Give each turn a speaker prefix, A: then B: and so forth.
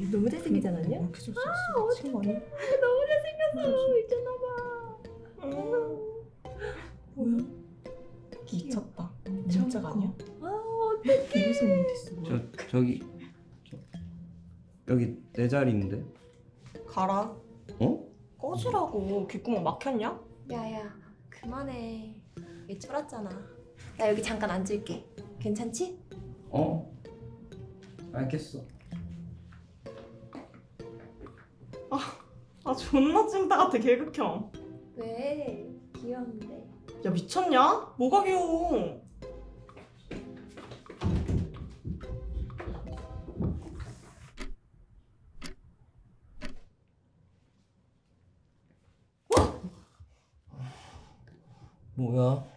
A: 너무 잘생기지 않았냐?
B: 왜 이렇게 잘생겼어? 친구 아니야?
A: 너무 잘생겼어. 있잖아봐.
B: 뭐야?
C: 미쳤다.
B: 진짜
C: 진짜 아니야?
B: 무슨 일 있어?
D: 저기 여기 내 자리인데.
C: 가라.
D: 어?
C: 꺼지라고. 귓구멍 막혔냐?
A: 야야, 그만해. 얘 쫄았잖아. 나 여기 잠깐 앉을게. 괜찮지?
D: 어? 알겠어.
C: 아 존나 찐따 같아 개극형.
A: 왜? 귀여운데.
C: 야 미쳤냐? 뭐가 귀여워?
D: 뭐야?